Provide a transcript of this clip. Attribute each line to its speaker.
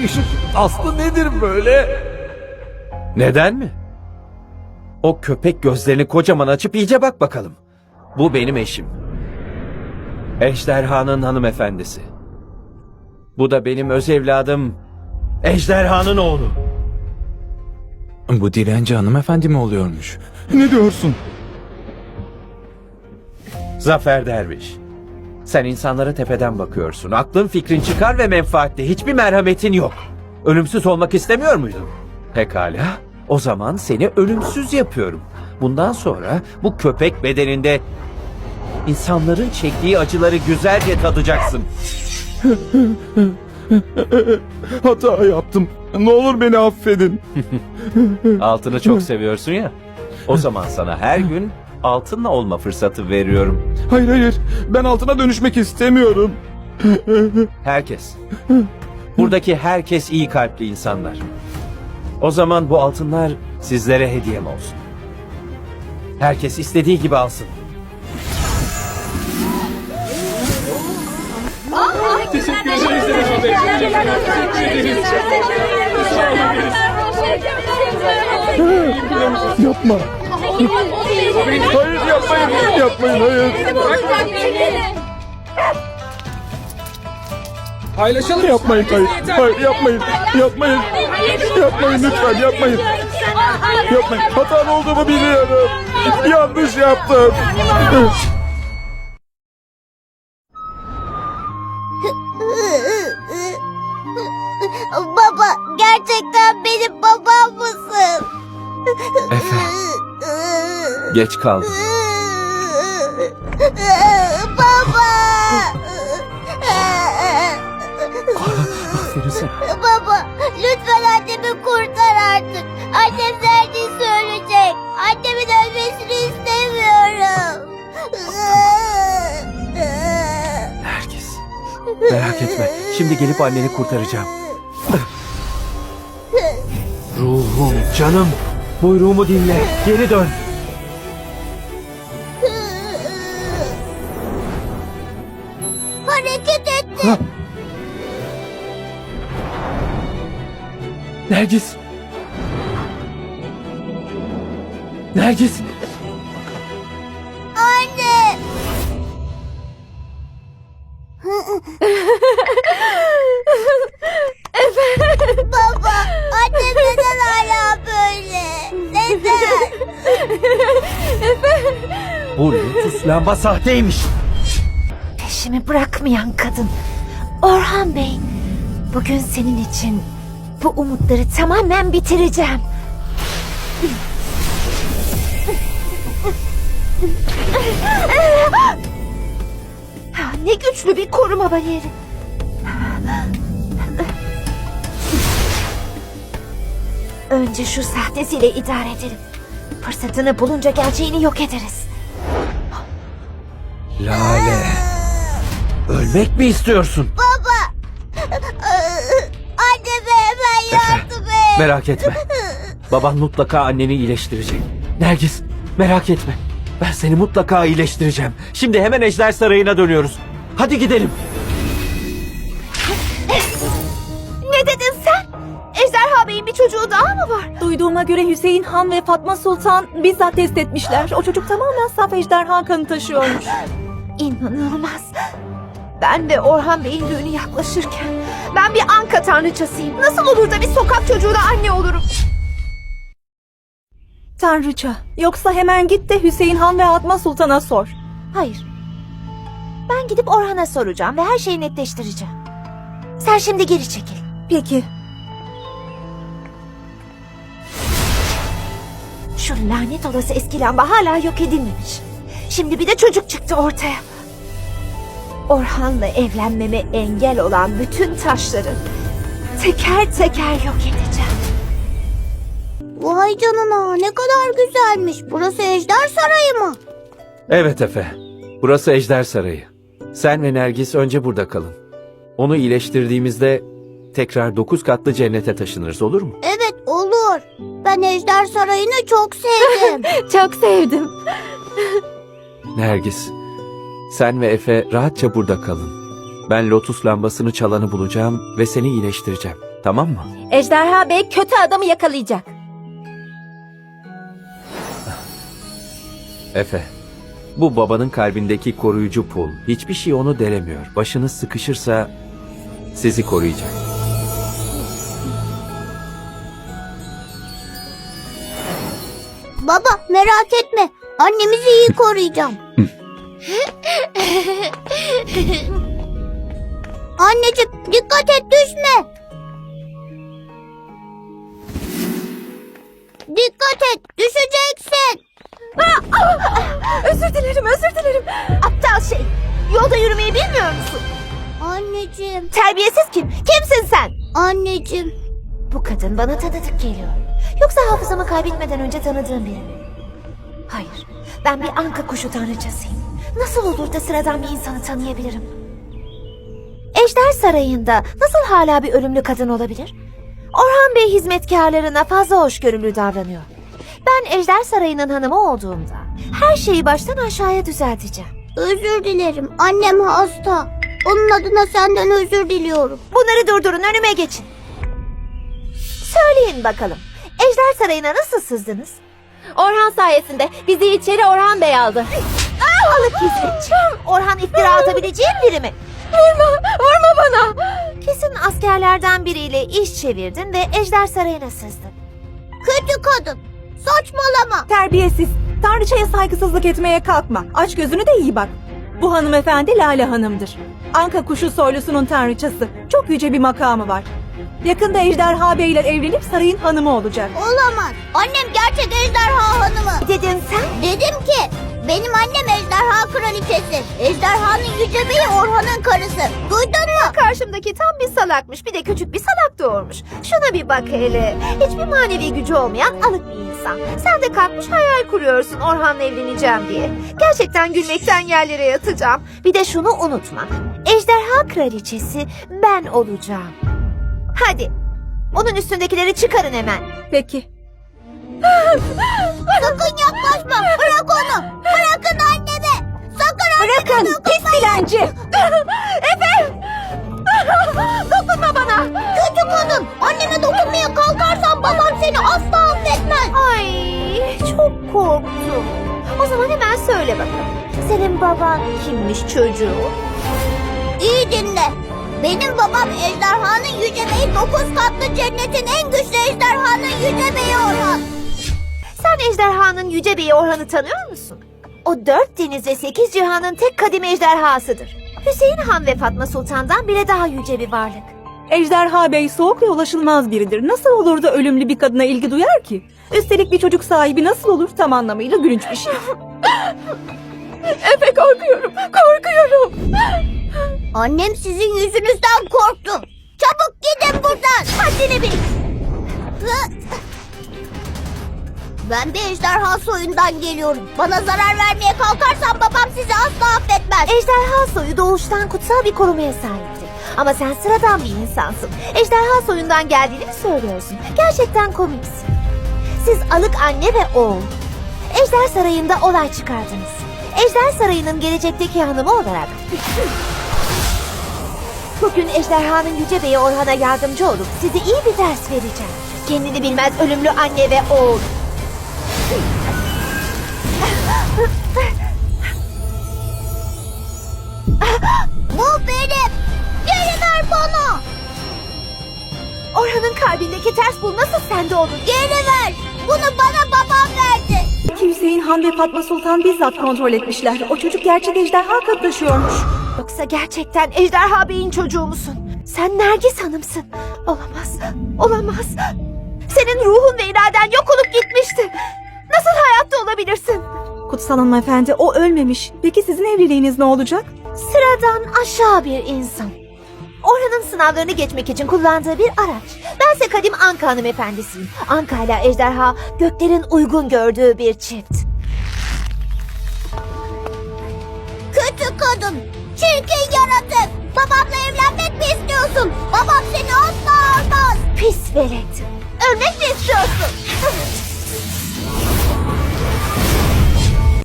Speaker 1: işin aslı nedir böyle? Neden mi? O köpek gözlerini kocaman açıp iyice bak bakalım. Bu benim eşim. Ejderhanın hanımefendisi. Bu da benim öz evladım, Ejderhanın oğlu.
Speaker 2: Bu dilenci hanımefendi mi oluyormuş?
Speaker 3: Ne diyorsun?
Speaker 1: Zafer Derviş. Sen insanlara tepeden bakıyorsun. Aklın fikrin çıkar ve menfaatte hiçbir merhametin yok. Ölümsüz olmak istemiyor muydun? Pekala. O zaman seni ölümsüz yapıyorum. Bundan sonra bu köpek bedeninde insanların çektiği acıları güzelce tadacaksın.
Speaker 3: Hata yaptım. Ne olur beni affedin.
Speaker 1: Altını çok seviyorsun ya. O zaman sana her gün altınla olma fırsatı veriyorum.
Speaker 3: Hayır hayır. Ben altına dönüşmek istemiyorum.
Speaker 1: Herkes. Buradaki herkes iyi kalpli insanlar. O zaman bu altınlar sizlere hediyem olsun. Herkes istediği gibi alsın.
Speaker 3: Yapma. Hayır yapmayın. Yapmayın hayır.
Speaker 4: Paylaşalım.
Speaker 3: Yapmayın hayır. Hayır yapmayın. Yapmayın. Yapmayın lütfen yapmayın. Yapmayın. Hatalı olduğumu biliyorum. Yanlış yaptım.
Speaker 5: Baba, gerçekten benim babam mısın?
Speaker 1: Efe, geç kaldım.
Speaker 5: Baba!
Speaker 1: Aferin sana.
Speaker 5: Baba, lütfen annemi kurtar artık. Annem neredeyse söyleyecek. Annemin ölmesini istemiyorum.
Speaker 1: Nergis, merak etme. Şimdi gelip anneni kurtaracağım. Ruhum, canım. Buyruğumu dinle. Geri dön.
Speaker 5: Hareket etti.
Speaker 1: Nergis. Nergis.
Speaker 5: Anne! Baba, annem neden hala böyle? Neden?
Speaker 1: Bu lotus lamba sahteymiş.
Speaker 6: Peşimi bırakmayan kadın. Orhan Bey, bugün senin için bu umutları tamamen bitireceğim. Ne güçlü bir koruma bariyeri. Önce şu sahtesiyle idare edelim. Fırsatını bulunca gerçeğini yok ederiz.
Speaker 1: Lale. Ölmek mi istiyorsun?
Speaker 5: Baba! Anneme hemen yardım et.
Speaker 1: Merak etme. Baban mutlaka anneni iyileştirecek. Nergis, merak etme. Ben seni mutlaka iyileştireceğim. Şimdi hemen Ejder Sarayı'na dönüyoruz. Hadi gidelim.
Speaker 6: Ne dedin sen? Ejderha Bey'in bir çocuğu daha mı var?
Speaker 7: Duyduğuma göre Hüseyin Han ve Fatma Sultan bizzat test etmişler. O çocuk tamamen saf ejderha kanı taşıyormuş.
Speaker 6: İnanılmaz. Ben ve Orhan Bey'in düğünü yaklaşırken ben bir Anka tanrıçasıyım. Nasıl olur da bir sokak çocuğuna anne olurum?
Speaker 7: Tanrıça. Yoksa hemen git de Hüseyin Han ve Fatma Sultan'a sor.
Speaker 6: Hayır. Ben gidip Orhan'a soracağım ve her şeyi netleştireceğim. Sen şimdi geri çekil.
Speaker 7: Peki.
Speaker 6: Şu lanet olası eski lamba hala yok edilmemiş. Şimdi bir de çocuk çıktı ortaya. Orhan'la evlenmeme engel olan bütün taşları teker teker yok edeceğim.
Speaker 5: Vay canına, ne kadar güzelmiş. Burası Ejder Sarayı mı?
Speaker 1: Evet Efe. Burası Ejder Sarayı. Sen ve Nergis önce burada kalın. Onu iyileştirdiğimizde tekrar 9 katlı cennete taşınırız, olur mu?
Speaker 5: Evet, olur. Ben Ejder Sarayı'nı çok sevdim.
Speaker 7: Çok sevdim.
Speaker 1: Nergis, sen ve Efe rahatça burada kalın. Ben lotus lambasını çalanı bulacağım ve seni iyileştireceğim. Tamam mı?
Speaker 7: Ejderha Bey kötü adamı yakalayacak.
Speaker 1: Efe, bu babanın kalbindeki koruyucu pul. Hiçbir şey onu delemiyor. Başınız sıkışırsa sizi koruyacak.
Speaker 5: Baba merak etme. Annemizi iyi koruyacağım. Anneciğim dikkat et düşme. Dikkat et düşeceksin.
Speaker 6: Özür dilerim, özür dilerim. Aptal şey. Yolda yürümeyi bilmiyor musun?
Speaker 5: Anneciğim,
Speaker 6: Terbiyesiz kim? Kimsin sen?
Speaker 5: anneciğim.
Speaker 6: Bu kadın bana tanıdık geliyor. Yoksa hafızamı kaybetmeden önce tanıdığım biri mi? Hayır. Ben bir anka kuşu tanrıçasıyım. Nasıl olur da sıradan bir insanı tanıyabilirim? Ejder Sarayı'nda nasıl hala bir ölümlü kadın olabilir? Orhan Bey hizmetkarlarına fazla hoşgörülü davranıyor. Ben Ejder Sarayı'nın hanımı olduğumda her şeyi baştan aşağıya düzelteceğim.
Speaker 5: Özür dilerim. Annem hasta. Onun adına senden özür diliyorum.
Speaker 6: Bunları durdurun, önüme geçin. Söyleyin bakalım. Ejder Sarayı'na nasıl sızdınız?
Speaker 7: Orhan sayesinde bizi içeri Orhan Bey aldı.
Speaker 6: Alık hizmetçi. Orhan iftira atabileceğim biri mi? Vurma bana. Kesin askerlerden biriyle iş çevirdin ve Ejder Sarayı'na sızdın.
Speaker 5: Kötü kadın. Saçmalama.
Speaker 7: Terbiyesiz. Tanrıçaya saygısızlık etmeye kalkma. Aç gözünü de iyi bak. Bu hanımefendi Lale Hanım'dır. Anka kuşu soylusunun tanrıçası. Çok yüce bir makamı var. Yakında Ejderha Bey ile evlenip sarayın hanımı olacak.
Speaker 5: Olamaz. Annem gerçek ejderha hanımı.
Speaker 6: Dedin sen?
Speaker 5: Dedim ki benim annem ejderha kraliçesi. Ejderhanın yüce beyi Orhan'ın karısı. Duydun mu?
Speaker 6: Karşımdaki tam bir salakmış. Bir de küçük bir salak doğurmuş. Şuna bir bak hele. Hiçbir manevi gücü olmayan alık bir insan. Sen de kalkmış hayal kuruyorsun Orhan'la evleneceğim diye. Gerçekten gülmekten yerlere yatacağım. Bir de şunu unutma. Ejderha kraliçesi ben olacağım. Hadi. Onun üstündekileri çıkarın hemen.
Speaker 7: Peki.
Speaker 5: Sakın yaklaşma. Bırak onu. Bırakın annemi. Sakın
Speaker 7: Bırakın pis dilenci.
Speaker 6: Efe! Dokunma bana.
Speaker 5: kötü kadın. Anneme dokunmaya kalkarsan babam seni asla affetmez.
Speaker 6: Ay çok korktum. O zaman hemen söyle bakalım. Senin baban kimmiş çocuğu?
Speaker 5: İyi dinle. Benim babam ejderhanın yüce beyi 9 katlı cennetin en güçlü ejderhanın yüce beyi Orhan.
Speaker 6: Sen ejderhanın yüce beyi Orhan'ı tanıyor musun? O 4 deniz ve 8 cihanın tek kadim ejderhasıdır. Hüseyin Han ve Fatma Sultan'dan bile daha yüce bir varlık.
Speaker 7: Ejderha Bey soğuk ve ulaşılmaz biridir. Nasıl olur da ölümlü bir kadına ilgi duyar ki? Üstelik bir çocuk sahibi nasıl olur, tam anlamıyla gülünç bir şey. Efe korkuyorum, korkuyorum.
Speaker 5: Annem sizin yüzünüzden korktu. Çabuk gidin buradan. Haddini bil. Ben bir ejderha soyundan geliyorum. Bana zarar vermeye kalkarsan babam sizi asla affetmez.
Speaker 6: Ejderha soyu doğuştan kutsal bir korumaya sahiptir. Ama sen sıradan bir insansın. Ejderha soyundan geldiğini mi söylüyorsun? Gerçekten komiksin. Siz alık anne ve oğul. Ejder Sarayı'nda olay çıkardınız. Ejder Sarayı'nın gelecekteki hanımı olarak bugün ejderhanın yüce beyi Orhan'a yardımcı olup size iyi bir ders vereceğim. Kendini bilmez ölümlü anne ve oğul.
Speaker 5: Bu benim. Geri ver bana.
Speaker 6: Orhan'ın kalbindeki ters bul nasıl sende olur?
Speaker 5: Geri ver. Bunu bana babam verdi.
Speaker 7: Hüseyin Han ve Fatma Sultan bizzat kontrol etmişler. O çocuk gerçek ejderha katlaşıyormuş.
Speaker 6: Yoksa gerçekten Ejderha Bey'in çocuğu musun? Sen Nergis Hanım'sın. Olamaz, olamaz. Senin ruhun ve iraden yok olup gitmişti. Nasıl hayatta olabilirsin?
Speaker 7: Kutsal hanımefendi, o ölmemiş. Peki sizin evliliğiniz ne olacak?
Speaker 6: Sıradan aşağı bir insan. Orhan'ın sınavlarını geçmek için kullandığı bir araç. Bense kadim Anka hanımefendisiyim. Anka ile ejderha göklerin uygun gördüğü bir çift.
Speaker 5: Kötü kadın. Çirkin yaratık. Babamla evlenmek mi istiyorsun? Babam seni asla almaz.
Speaker 6: Pis velet. Ölmek mi istiyorsun?